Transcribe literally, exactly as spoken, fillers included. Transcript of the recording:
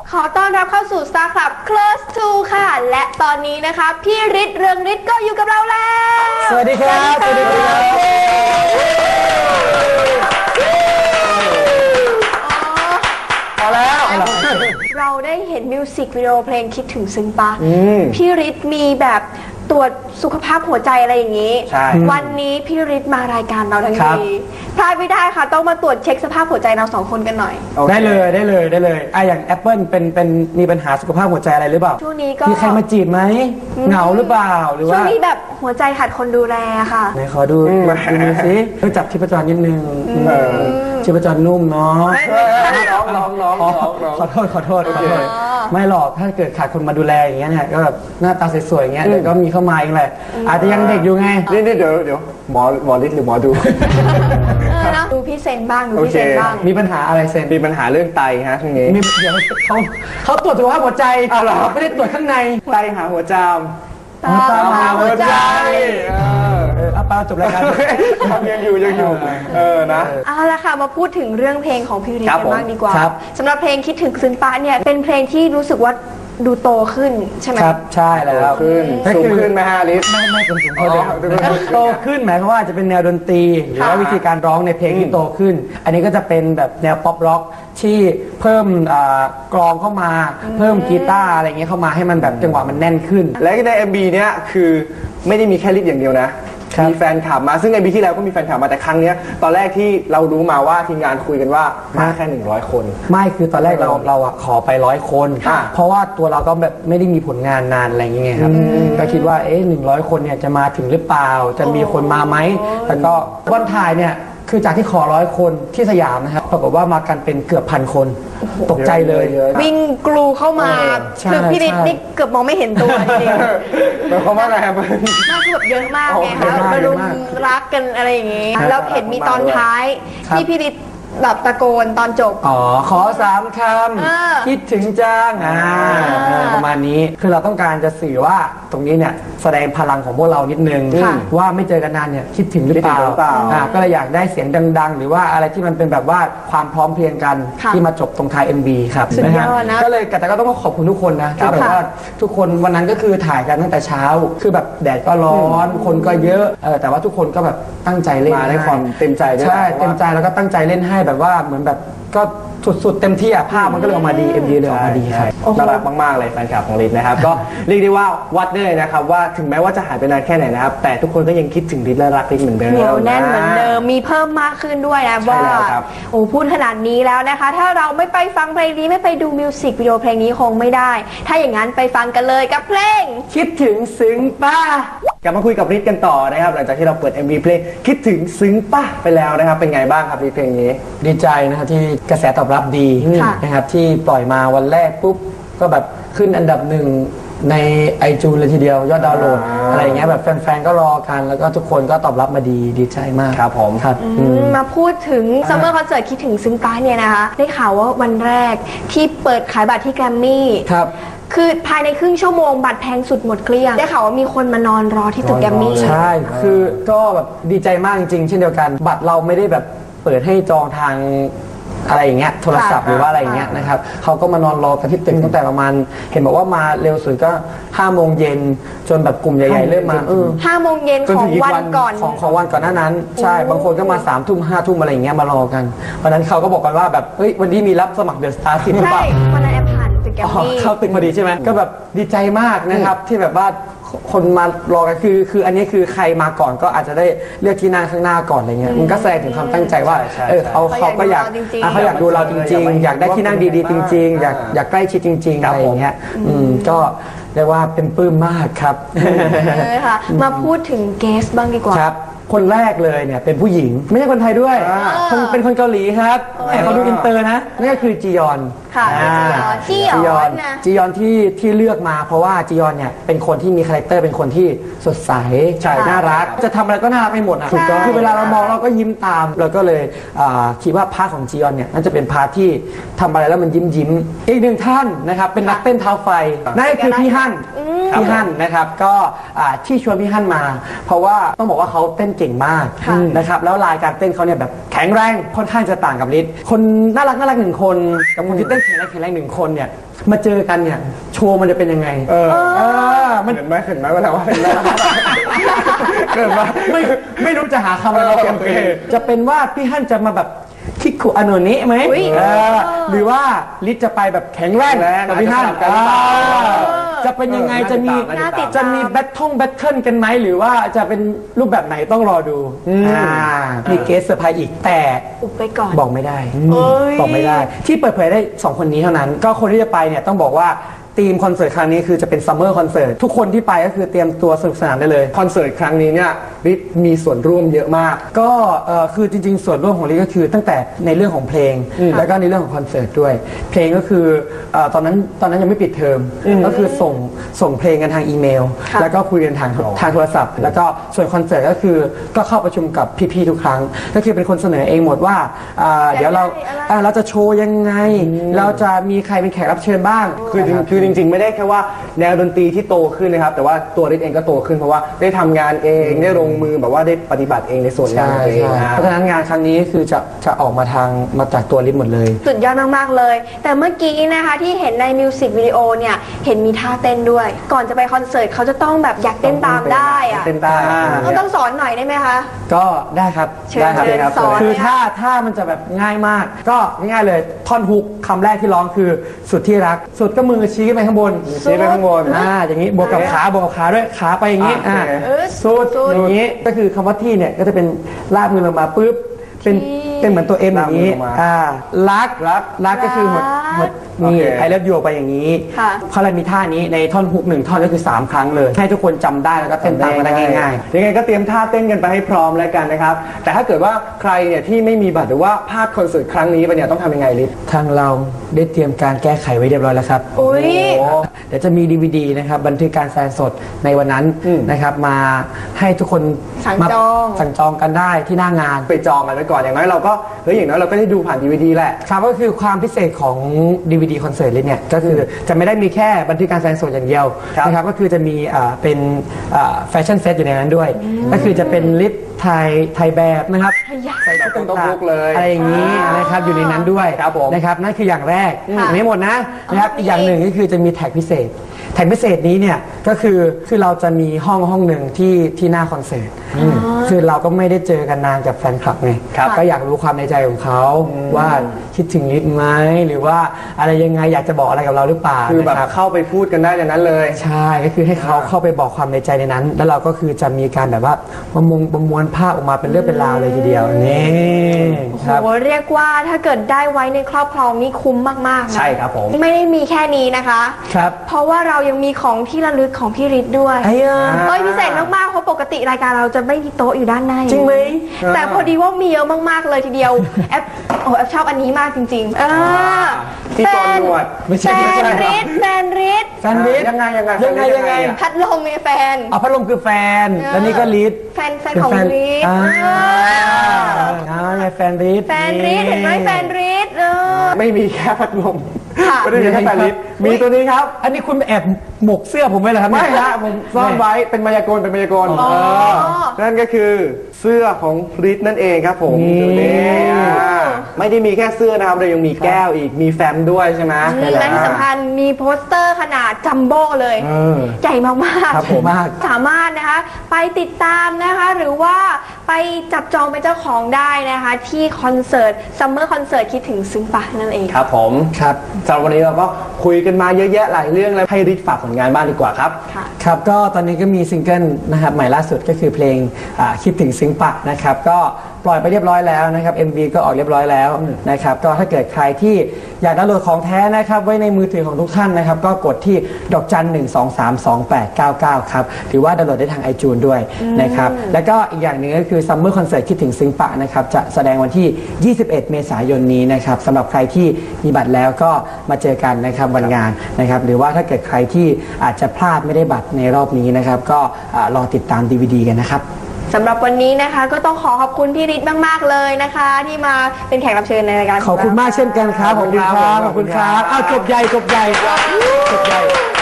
ขอต้อนรับเข้าสู่ Star Club Close to ค่ะและตอนนี้นะคะพี่ฤทธิ์เรืองฤทธิ์ก็อยู่กับเราแล้วสวัสดีครับสวัสดีครับพอแล้วเราได้เห็นมิวสิกวิดีโอเพลงคิดถึงซึ้งปะพี่ฤทธิ์มีแบบตรวจสุขภาพหัวใจอะไรอย่างนี้วันนี้พี่ฤทธิ์มารายการเราทั้งทีพลาดไม่ได้ค่ะต้องมาตรวจเช็คสภาพหัวใจเราสองคนกันหน่อยได้เลยได้เลยได้เลยอ่ะอย่างแอปเปิลเป็นเป็นมีปัญหาสุขภาพหัวใจอะไรหรือเปล่าช่วงนี้ก็มีใครมาจีบไหมเหงาหรือเปล่าหรือว่าช่วงนี้แบบหัวใจขาดคนดูแลค่ะไหนขอดูดูสิเพื่อจับชีพจรนิดนึงชีพจรนุ่มเนาะน้องน้องน้องน้องขอโทษขอโทษขอโทษไม่หรอกถ้าเกิดขาดคนมาดูแลอย่างเงี้ยเนี่ยก็แบบหน้าตาสวยๆอย่างเงี้ยเดี๋ยวก็มีเข้ามาเองแหละอาจจะยังเด็กอยู่ไงนี่นี่เดี๋ยวเดี๋ยวหมอหมอฤทธิ์หรือหมอดูดูพี่เซนบ้างดูพี่เซนบ้างมีปัญหาอะไรเซนมีปัญหาเรื่องไตฮะช่วงนี้เดี๋ยวเขาเขาตรวจสุขภาพหัวใจไม่ได้ตรวจข้างในไตหาหัวจามตามหาหัวใจเออเอาไปจบรายการยังอยู่ยังอยู่เออนะเอาละค่ะมาพูดถึงเรื่องเพลงของพี่ฤทธิ์กันบ้างดีกว่าสำหรับเพลงคิดถึงซึ้งปะเนี่ยเป็นเพลงที่รู้สึกว่าดูโตขึ้นใช่ไหมครับใช่แล้วขึ้นสูงขึ้นไหมฮะลิศไม่ไม่เป็นสูงขึ้นโตขึ้นหมายความว่าจะเป็นแนวดนตรีหรือว่าวิธีการร้องในเพลงที่โตขึ้นอันนี้ก็จะเป็นแบบแนวป๊อปร็อกที่เพิ่มกลองเข้ามาเพิ่มกีตาร์อะไรเงี้ยเข้ามาให้มันแบบจังหวะมันแน่นขึ้นและใน เอ็ม บี เนี้ยคือไม่ได้มีแค่ลิศอย่างเดียวนะมีแฟนคลับมาซึ่งในปีที่แล้วก็มีแฟนคลับมาแต่ครั้งนี้ตอนแรกที่เรารู้มาว่าทีมงานคุยกันว่ามาแค่หนึ่งร้อยคนไม่คือตอนแรกเราเราอะขอไปร้อยคนเพราะว่าตัวเราก็แบบไม่ได้มีผลงานนานอะไรอย่างเงี้ยครับก็คิดว่าเอ๊ะหนึ่งร้อยคนเนี่ยจะมาถึงหรือเปล่าจะมีคนมาไหมแล้วก็วันถ่ายเนี่ยคือจากที่ขอร้อยคนที่สยามนะครับปรากฏว่ามากันเป็นเกือบพันคนตกใจเลยวิ่งกลูเข้ามาคือพี่ฤทธิ์นี่เกือบมองไม่เห็นตัวจริงๆหมายความว่าอะไรครับมากคือแบบเยอะมากไงคะมารุมรักกันอะไรอย่างงี้แล้วเห็นมีตอนท้ายที่พี่ฤทธิ์แบบตะโกนตอนจบอ๋อขอสามคำคิดถึงจังอ่าประมาณนี้คือเราต้องการจะสื่อว่าตรงนี้เนี่ยแสดงพลังของพวกเรานิดนึงว่าไม่เจอกันนานเนี่ยคิดถึงหรือเปล่าอ่าก็เลยอยากได้เสียงดังๆหรือว่าอะไรที่มันเป็นแบบว่าความพร้อมเพรียงกันที่มาจบตรงท้าย เอ็ม บี ครับนะฮะก็เลยแต่ก็ต้องขอบคุณทุกคนนะที่แบบว่าทุกคนวันนั้นก็คือถ่ายกันตั้งแต่เช้าคือแบบแดดก็ร้อนคนก็เยอะเออแต่ว่าทุกคนก็แบบตั้งใจเล่นมาด้วยความเต็มใจใช่เต็มใจแล้วก็ตั้งใจเล่นให้แบบว่าเหมือนแบบก็สุดๆเต็มที่อ่ะภาพมันก็เลยออกมาดี เอ็ม วี เลยออกมาดีครับน่ารักมากๆเลยแฟนคลับของฤทธิ์นะครับก็เรียกได้ว่าวัดได้เลยนะครับว่าถึงแม้ว่าจะหายไปนานแค่ไหนนะครับแต่ทุกคนก็ยังคิดถึงฤทธิ์และรักฤทธิ์เหมือนเดิมเหนียวแน่นเหมือนเดิมมีเพิ่มมากขึ้นด้วยนะว่าโอ้พูดขนาดนี้แล้วนะคะถ้าเราไม่ไปฟังเพลงนี้ไม่ไปดูมิวสิกวิดีโอเพลงนี้คงไม่ได้ถ้าอย่างนั้นไปฟังกันเลยกับเพลงคิดถึงซึ้งป้ากลับมาคุยกับฤทธิ์กันต่อนะครับหลังจากที่เราเปิด เอ็ม วี เพลงคิดถึงซึ้งป่ะไปแล้วนะครับเป็นไงบ้างครับเพลงนี้ดีใจนะครับที่กระแสตอบรับดีนะครับที่ปล่อยมาวันแรกปุ๊บก็แบบขึ้นอันดับหนึ่งในไอจูนเลยทีเดียวยอดดาวน์โหลดอะไรอย่างเงี้ยแบบแฟนๆก็รอกันแล้วก็ทุกคนก็ตอบรับมาดีดีใจมากครับผมครับมาพูดถึงซัมเมอร์คอนเสิร์ตคิดถึงซึ้งป้าเนี่ยนะคะได้ข่าวว่าวันแรกที่เปิดขายบัตรที่แกรมมี่ครับคือภายในครึ่งชั่วโมงบัตรแพงสุดหมดเกลี้ยงได้ข่าวว่ามีคนมานอนรอที่ตึกแกรมมี่ใช่คือก็แบบดีใจมากจริงๆเช่นเดียวกันบัตรเราไม่ได้แบบเปิดให้จองทางอะไรอย่างเงี้ยโทรศัพท์หรือว่าอะไรอย่างเงี้ยนะครับเขาก็มานอนรอกันที่ตึกตั้งแต่ประมาณเห็นบอกว่ามาเร็วสุดก็ห้าโมงเย็นจนแบบกลุ่มใหญ่ๆเริ่มมาเออห้าโมงเย็นของวันก่อนของของวันก่อนหน้านั้นใช่บางคนก็มาสามทุ่มห้าทุ่มอะไรอย่างเงี้ยมารอกันวันนั้นเขาก็บอกกันว่าแบบเฮ้ยวันนี้มีรับสมัครเดอะสตาร์สิบหรือเปล่าวันนั้นแอปผ่านตึกแกรมมี่เข้าตึกพอดีใช่ไหมก็แบบดีใจมากนะครับที่แบบว่าคนมารอกันคือคืออันนี้คือใครมาก่อนก็อาจจะได้เลือกที่นั่งข้างหน้าก่อนอะไรเงี้ยมันก็แสดงถึงความตั้งใจว่าเออเขาเขาก็อยากเขาอยากดูเราจริงๆอยากได้ที่นั่งดีๆจริงๆอยากอยากใกล้ชิดจริงๆอะไรอย่างเงี้ยอืมก็เรียกว่าเป็นปลื้มมากครับเลยค่ะมาพูดถึงเกสบ้างดีกว่าครับคนแรกเลยเนี่ยเป็นผู้หญิงไม่ใช่คนไทยด้วยเป็นคนเกาหลีครับแต่เขาดูอินเตอร์นะนั่นก็คือจียอนค่ะจียอนจียอนที่ที่เลือกมาเพราะว่าจียอนเนี่ยเป็นคนที่มีคาแรคเตอร์เป็นคนที่สดใสน่ารักจะทำอะไรก็น่ารักไปหมดนะคือเวลาเรามองเราก็ยิ้มตามเราก็เลยคิดว่าพาร์ทของจียอนเนี่ยน่าจะเป็นพาร์ทที่ทำอะไรแล้วมันยิ้มยิ้มอีกหนึ่งท่านนะครับเป็นนักเต้นเท้าไฟนั่นก็คือพี่ฮั่นพี่ฮั่นนะครับก็ที่ชวนพี่ฮั่นมาเพราะว่าต้องบอกว่าเขาเต้นเก่งมากนะครับแล้วลายการเต้นเขาเนี่ยแบบแข็งแรงค่อนข้างจะต่างกับฤทธิ์คนน่ารักน่ารักหนึ่งคนกับคนที่เต้นแข็งแรงแข็งแรงหนึ่งคนเนี่ยมาเจอกันเนี่ยโชว์มันจะเป็นยังไงเออเออมันเห็นไหมเห็นไหมว่าว่าเป็นเกิดมาไม่ไม่รู้จะหาคำอะไรมาเปลี่ยนจะเป็นว่าพี่ฮั่นจะมาแบบคิกคุอโนเนะไหมหรือว่าฤทธิ์จะไปแบบแข็งแรงกับพี่ฮั่นจะเป็นยังไงจะมีจะมีแบททงแบทเทิลกันไหมหรือว่าจะเป็นรูปแบบไหนต้องรอดูมีเกสเซอร์ไพรส์อีกแต่อุบไปก่อนบอกไม่ได้บอกไม่ได้ที่เปิดเผยได้สองคนนี้เท่านั้นก็คนที่จะไปเนี่ยต้องบอกว่าทีมคอนเสิร์ตครั้งนี้คือจะเป็นซัมเมอร์คอนเสิร์ตทุกคนที่ไปก็คือเตรียมตัวสนุกสนานได้เลยคอนเสิร์ตครั้งนี้เนี่ยฤทธิ์มีส่วนร่วมเยอะมากก็คือจริงๆส่วนร่วมของฤทธิ์ก็คือตั้งแต่ในเรื่องของเพลงแล้วก็ในเรื่องของคอนเสิร์ตด้วยเพลงก็คือตอนนั้นตอนนั้นยังไม่ปิดเทอมก็คือส่งส่งเพลงกันทางอีเมลแล้วก็คุยกันทางทางโทรศัพท์แล้วก็ส่วนคอนเสิร์ตก็คือก็เข้าประชุมกับพี่ๆทุกครั้งก็คือเป็นคนเสนอเองหมดว่าเดี๋ยวเราเราจะโชว์ยังไงเราจะมีใครเป็นแขกรับเชิญบ้างคือคือจริงๆไม่ได้แค่ว่าแนวดนตรีที่โตขึ้นนะครับแต่ว่าตัวฤทธิ์เองก็โตขึ้นเพราะว่าได้ทำงานเองได้ลงมือแบบว่าได้ปฏิบัติเองในส่วนงานเองเพราะฉะนั้นงานครั้งนี้คือจะจะออกมาทางมาจากตัวฤทธิ์หมดเลยสุดยอดมากๆเลยแต่เมื่อกี้นะคะที่เห็นในมิวสิกวิดีโอเนี่ยเห็นมีท่าเต้นด้วยก่อนจะไปคอนเสิร์ตเขาจะต้องแบบอยากเต้นตามได้อะเต้นได้เขาต้องสอนหน่อยได้ไหมคะก็ได้ครับได้ครับคือถ้าถ้ามันจะแบบง่ายมากก็ง่ายเลยท่อนฮุกคำแรกที่ร้องคือสุดที่รักสุดก็มือชี้ไปข้างบนชี้ไปข้างบนอ่าอย่างนี้บวกกับขาบวกกับขาด้วยขาไปอย่างนี้อ่าสุดอย่างนี้ก็คือคำว่าที่เนี่ยก็จะเป็นลากมือลงมาปุ๊บเป็นเป็นเหมือนตัวเอ็มอย่างนี้อ่ารักรักรักก็คือหมดหมดนี่ไอเลิฟยูไปอย่างนี้เขาเลยมีท่านี้ในท่อนฮุกหนึ่งท่อนก็คือสามครั้งเลยให้ทุกคนจำได้แล้วก็เต้นตามกันได้ง่ายๆยังไงก็เตรียมท่าเต้นกันไปให้พร้อมแล้วกันนะครับแต่ถ้าเกิดว่าใครเนี่ยที่ไม่มีบัตรหรือว่าพลาดคอนเสิร์ตครั้งนี้ไปเนี่ยต้องทำยังไงลิศทางเราได้เตรียมการแก้ไขไว้เรียบร้อยแล้วครับอุ้ยเดี๋ยวจะมี ดี วี ดี นะครับบันทึกการแสดงสดในวันนั้นนะครับมาให้ทุกคนสั่งจองสั่งจองกันได้ที่หน้างานไปจองกันไว้ก่อนอย่างน้อยเราก็เฮ้ยอย่างน้อยเราก็ได้ดูผ่าน ดี วี ดี แหละครับก็คือความพิเศษของ ดี วี ดี คอนเสิร์ตเลยเนี่ยก็คือจะไม่ได้มีแค่บันทึกการแสดงสดอย่างเดียวนะครับก็คือจะมีเป็นแฟชั่นเซตอยู่ในนั้นด้วยก็คือจะเป็นลิปไทยไทยแบบนะครับใส่ชุดต่างๆเลยอะไรอย่างนี้นะครับอยู่ในนั้นด้วยนะครับนั่นคืออย่างแรกไม่หมดนะนะครับอีกอย่างหนึ่งก็คือจะมีแท็กพิเศษแท็กพิเศษนี้เนี่ยก็คือคือเราจะมีห้องห้องหนึ่งที่ที่หน้าคอนเสิร์ตคือเราก็ไม่ได้เจอกันนานกับแฟนคลับไงก็อยากรู้ความในใจของเขาว่าคิดถึงฤทธิ์ไหมหรือว่าอะไรยังไงอยากจะบอกอะไรกับเราหรือเปล่าคือแบบเข้าไปพูดกันได้ในนั้นเลยใช่ก็คือให้เขาเข้าไปบอกความในใจในนั้นแล้วเราก็คือจะมีการแบบว่าประมวลประมวลภาพออกมาเป็นเรื่องเป็นราวเลยทีเดียวนี่ครับโอ้เรียกว่าถ้าเกิดได้ไว้ในครอบครองนี่คุ้มมากๆนะใช่ครับผมไม่ได้มีแค่นี้นะคะครับเพราะว่าเรายังมีของที่ระลึกของพี่ฤทธิ์ด้วยเอ้ยพิเศษมากๆเพราะปกติรายการเราจะไม่มีโต๊ะอยู่ด้านในจริงไหมแต่พอดีว่ามีเยอะมากๆเลยทีเดียวแอปโอ้แอปชอบอันนี้มากจริงๆอ่าที่ตอนนวดแฟนฤทธิ์แฟนฤทธิ์แฟนฤทธิ์ยังไงยังไงยังไงยังไงพัดลมมีแฟนอ๋อพัดลมคือแฟนแล้วนี่ก็ฤทธิ์แฟนแฟนของฤทธิ์อ่าอ่าไงแฟนฤทธิ์แฟนฤทธิ์เห็นไหมแฟนฤทธิ์เออไม่มีแค่พัดลมไม่ได้มีแค่แฟนฤทธิ์มีตัวนี้ครับอันนี้คุณแอบหมกเสื้อผมไว้เหรอครับไม่ฮะผมซ่อนไว้เป็นมายากลเป็นมายากลนั่นก็คือเสื้อของฤทธิ์นั่นเองครับผมไม่ได้มีแค่เสื้อนะครับเรายังมีแก้วอีกมีแฟ้มด้วยใช่ไหมและที่สำคัญมีโปสเตอร์ขนาดจัมโบ้เลยใหญ่มากๆสามารถนะคะไปติดตามนะคะหรือว่าไปจับจองเป็นเจ้าของได้นะคะที่คอนเสิร์ตซัมเมอร์คอนเสิร์ตคิดถึงซึ้งปะนั่นเองครับผมครับสำหรับวันนี้เราก็คุยกันมาเยอะแยะหลายเรื่องแล้วให้ฤทธิ์ฝากผลงานบ้างดีกว่าครับครับก็ตอนนี้ก็มีซิงเกิลนะครับใหม่ล่าสุดก็คือเพลงคิดถึงซึ้งปะนะครับก็ปล่อยไปเรียบร้อยแล้วนะครับ เอ็ม วี ก็ออกเรียบร้อยแล้วนะครับก็ถ้าเกิดใครที่อยากดาวน์โหลดของแท้นะครับไว้ในมือถือของทุกท่านนะครับก็กดที่ดอกจันหนึ่งสองสามสองแปดเก้าเก้าครับหรือว่าดาวน์โหลดได้ทาง ไอจูน ด้วยนะครับแล้วก็อีกอย่างหนึ่งก็คือซัมเมอร์คอนเสิร์ตคิดถึงซึ้งปะนะครับจะแสดงวันที่ยี่สิบเอ็ดเมษายนนี้นะครับสำหรับใครที่มีบัตรแล้วก็มาเจอกันนะครับวันงานนะครับหรือว่าถ้าเกิดใครที่อาจจะพลาดไม่ได้บัตรในรอบนี้นะครับก็รอติดตาม ดี วี ดี กันนะครับสำหรับวันนี้นะคะก็ต้องขอขอบคุณพี่ฤทธิ์มากๆเลยนะคะที่มาเป็นแขกรับเชิญในรายการขอบคุณมากเช่นกันครับขอบคุณครับขอบคุณครับอ้าวจบใหญ่จบใหญ่จบใหญ่